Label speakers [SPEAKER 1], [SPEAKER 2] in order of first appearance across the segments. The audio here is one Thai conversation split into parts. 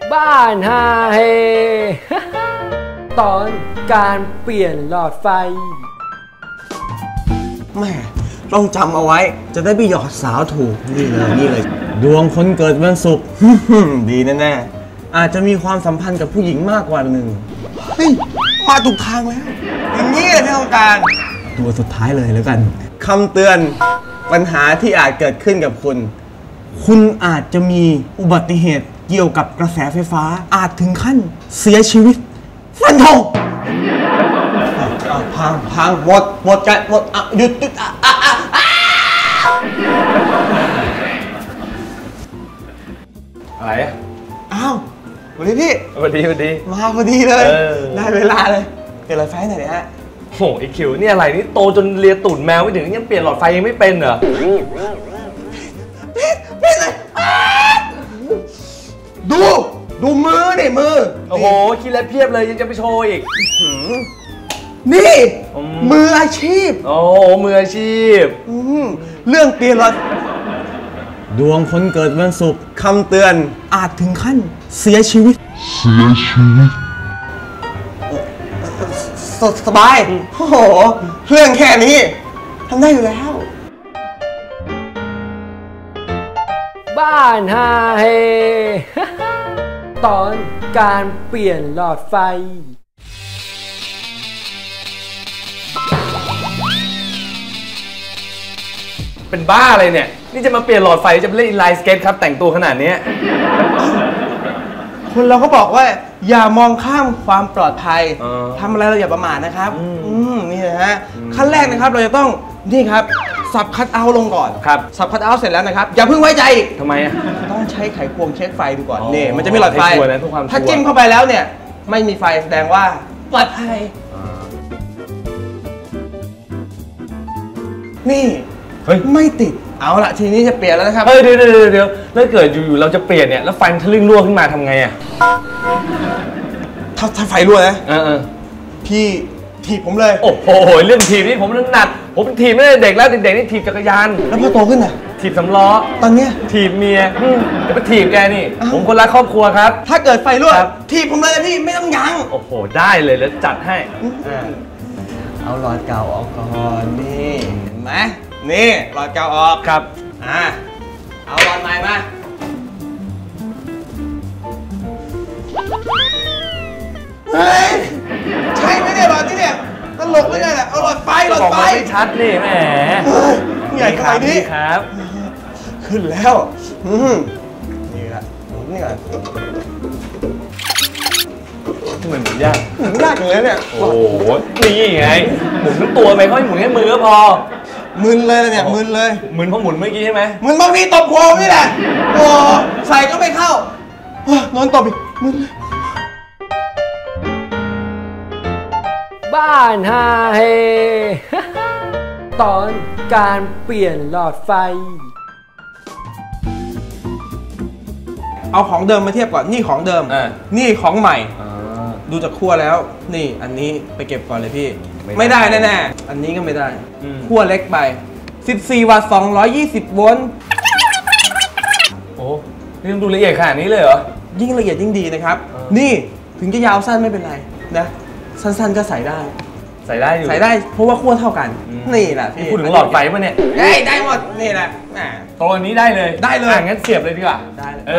[SPEAKER 1] บ้านฮาเฮ ตอนการเปลี่ยนหลอดไฟ
[SPEAKER 2] แม่ต้องจำเอาไว้จะได้ไปหยอดสาวถูกนี่เลยดวงคนเกิดวันศุกร์ ดีแน่ๆอาจจะมีความสัมพันธ์กับผู้หญิงมากกว่าหนึ่งเฮ้ยมาถูกทางแล้วอย่างนี้เลยที่ต้องการตัวสุดท้ายเลยแล้วกันคำเตือนปัญหาที่อาจเกิดขึ้นกับคุณอาจจะมีอุบัติเหตุเกี่ยวกับกระแสไฟฟ้าอาจถึงขั้นเสียชีวิตฟันธงพังหมดกันหมดหยุด
[SPEAKER 3] อะไรอ่ะ
[SPEAKER 2] อ้าวสวัสดีพี่
[SPEAKER 3] สวัสดี
[SPEAKER 2] มาพอดีเลยได้เวลาเลยเปลี่ยนหลอดไฟหน่อยเนี่ยฮะ
[SPEAKER 3] โอ้ไอคิวนี่อะไรนี่โตจนเลียตูดแมวไม่ถึงยังเปลี่ยนหลอดไฟยังไม่เป็นเหรอ
[SPEAKER 2] พี่เลยดูมือดิมือ
[SPEAKER 3] โอ้โหคิดแล้วเพียบเลยยังจะไปโชว์อีก
[SPEAKER 2] นี่มืออาชีพ
[SPEAKER 3] โอ้มืออาชีพ
[SPEAKER 2] เรื่องเปลี่ยนหลอดดวงคนเกิดวันศุกร์คำเตือนอาจถึงขั้นเสียชีวิตสบายโอ้โหเรื่องแค่นี้ทำได้อยู่แล้ว
[SPEAKER 1] บ้านฮาเฮ ตอนการเปลี่ยนหลอดไฟ
[SPEAKER 3] เป็นบ้าอะไรเนี่ยนี่จะมาเปลี่ยนหลอดไฟจะไปเล่นอินไลน์สเก็ตครับแต่งตัวขนาดนี้
[SPEAKER 2] คนเราก็บอกว่าอย่ามองข้ามความปลอดภัยทำอะไรเราอย่าประมาทนะครับนี่นะฮะขั้นแรกนะครับเราจะต้องนี่ครับสับคัทเอาท์ลงก่อน
[SPEAKER 3] ครับ
[SPEAKER 2] สับคัทเอาท์เสร็จแล้วนะครับอย่าเพิ่งไว้ใจอีก
[SPEAKER 3] ทำไมอ่ะ
[SPEAKER 2] ต้องใช้ไขควงเช็คไฟดูก่อนนี่มันจะมีหลอดไฟถ้าจิ้มเข้าไปแล้วเนี่ยไม่มีไฟแสดงว่าปลอดภัยนี่ไม่ติดเอาละทีนี้จะเปลี่ยนแล้วนะครับ
[SPEAKER 3] เฮ้ยเดี๋ยวแล้วเกิดอยู่ๆเราจะเปลี่ยนเนี่ยแล้วไฟมันทะลึ่งรั่วขึ้นมาทำไงอ่ะ
[SPEAKER 2] ถ้าไฟรั่วนะพี่ถีบผมเลย
[SPEAKER 3] โอ้โหเรื่องถีบนี่ผมถนัดผมถีบไม่ได้เด็กแล้วเด็กๆนี่ถีบจักรยาน
[SPEAKER 2] แล้วพอโตขึ้นน่ะ
[SPEAKER 3] ถีบสำล้อ
[SPEAKER 2] ตอนเนี้ย
[SPEAKER 3] ถีบเมียจะไปถีบแกนี่ผมคนรักครอบครัวครับ
[SPEAKER 2] ถ้าเกิดไฟรั่วถีบผมเลยพี่ไม่ต้องยั้ง
[SPEAKER 3] โอ้โหได้เลยแล้วจัดให้
[SPEAKER 2] เอาหลอดเก่าออกก่อนนี่เห็นไหมนี่หลอดเก่าออก
[SPEAKER 3] ครับ
[SPEAKER 2] เอาหลอดใหม่มาเฮ้ยใช่ไหมเนี่ยหลอดที่เนี่ยตลกเลยเนี่ยเอาหลอดไฟ
[SPEAKER 3] ไม่ชัดนี่แหม
[SPEAKER 2] ใหญ่ขนาดนี้
[SPEAKER 3] ครับ
[SPEAKER 2] ขึ้นแล้วนี่ละนี่ก่อน
[SPEAKER 3] เหมือนยาก
[SPEAKER 2] อย่างนี้เนี่ย
[SPEAKER 3] โอ้โหนี่ไงหมุนทั้งตัวไปเขาหมุนแค่มือก็พอ
[SPEAKER 2] มึนเลยเนี่ยมึนเลย
[SPEAKER 3] มึนเพราะหมุนเมื่อกี้ใช่ไหม
[SPEAKER 2] มึนเพราะพี่ตบโค้งนี่แหละโอ้ใส่ก็ไม่เข้านอนตบอีกมึนเลย
[SPEAKER 1] บ้านฮาเฮ ตอนการเปลี่ยนหลอดไฟ
[SPEAKER 2] เอาของเดิมมาเทียบก่อนนี่ของเดิมนี่ของใหม่ดูจากขั้วแล้วนี่อันนี้ไปเก็บก่อนเลยพี่ไม่ได้แน่ๆอันนี้ก็ไม่ได้ขั้วเล็กไป14 วัตต์220 โวลต์
[SPEAKER 3] โอ้นี่ต้องดูละเอียดขนาดนี้เลยเหรอ
[SPEAKER 2] ยิ่งละเอียดยิ่งดีนะครับนี่ถึงจะยาวสั้นไม่เป็นไรนะสั้นๆก็ใส่ได้
[SPEAKER 3] อยู่
[SPEAKER 2] ใส่ได้เพราะว่าขั้วเท่ากันนี่แหละพี่
[SPEAKER 3] พูดถึงหลอดไฟป่ะเนี่ย
[SPEAKER 2] ได้หมดนี่แหละ
[SPEAKER 3] ตัวนี้ได้เลยงั้นเสียบเลยดีกว่า
[SPEAKER 2] ได้เลย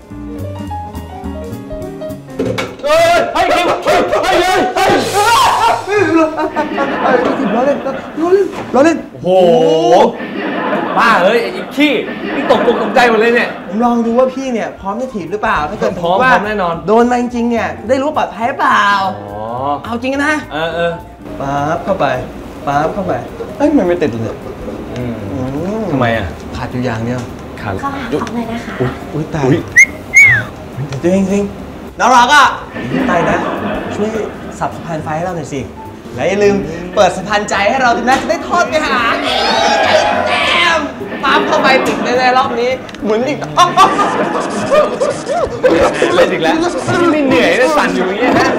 [SPEAKER 3] เฮ้ยคิวเฮ้ย
[SPEAKER 2] ล้อเล่น
[SPEAKER 3] โอ้โหบ้าเฮ้ยไอ้ขี้นี่ตกใจหมดเลยเนี่ย
[SPEAKER 2] ผมลองดูว่าพี่เนี่ยพร้อมจะถีบหรือเปล่าถ้าเกิด
[SPEAKER 3] พร้อมแน่นอน
[SPEAKER 2] โดนมาจริงๆเนี่ยได้รู้ปลอดภัยเปล่าเอาจริงนะปั๊บเข้าไปเอ้ยมันไม่ติดเลย
[SPEAKER 3] ทำไมอ่ะ
[SPEAKER 2] ขาดอยู่อย่างเดียว
[SPEAKER 4] ขาดเลยนะคะ
[SPEAKER 2] อุ้ยตายจริงน้องรักอ่ะตายนะช่วยสับสะพานไฟให้เราหน่อยสิและอย่าลืมเปิดสะพานใจให้เราด้วยนะจะได้ทอดไปหาปั๊บเข้าไปติดแน่ๆรอบนี้เหมือนอีก
[SPEAKER 3] เล่นอีกแล้วไม่เหนื่อยเลยสั่นอยู่อย่างเงี้ยฮะ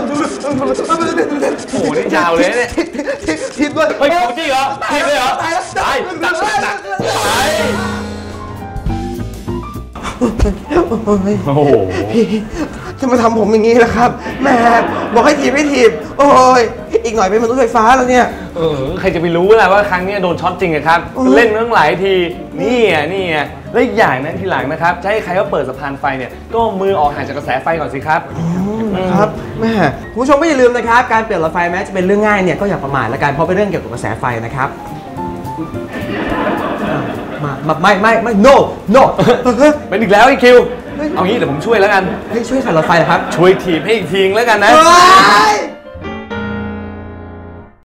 [SPEAKER 3] โอ้โหนี่ยาวเลยเนี่ย
[SPEAKER 2] ทิดด้วย
[SPEAKER 3] เฮ้ยจริงเหรอทิดเลยเหรอตายโอ้โห
[SPEAKER 2] พี่จะมาทำผมอย่างนี้ล่ะครับแหม่บอกให้ถีบให้ถีบโอ้ยอีกหน่อยเป็นมนุษย์ไฟฟ้าแล้วเนี่ย
[SPEAKER 3] ใครจะไปรู้ล่ะว่าครั้งนี้โดนช็อตจริงอะครับเล่นมาตั้งหลายทีนี่ไงแล้วอีกอย่างนะทีหลังนะครับจะให้ใครว่าเปิดสะพานไฟเนี่ยก็มือออกห่างจากกระแสไฟก่อนสิครับ
[SPEAKER 2] ครับแม่คุณผู้ชมก็อย่าลืมนะครับการเปลี่ยนหลอดไฟแม้จะเป็นเรื่องง่ายเนี่ยก็อย่าประมาทละกันเพราะเป็นเรื่องเกี่ยวกับกระแสไฟนะครับไม่ no
[SPEAKER 3] เป็นอีกแล้วไอ้คิวเอางี้เดี๋ยวผมช่วยแล้วกัน
[SPEAKER 2] ช่วยใส่หลอดไฟเหรอครับ
[SPEAKER 3] ช่วยถีบให้อีกทีแล้วกันนะ
[SPEAKER 2] เฮ้ย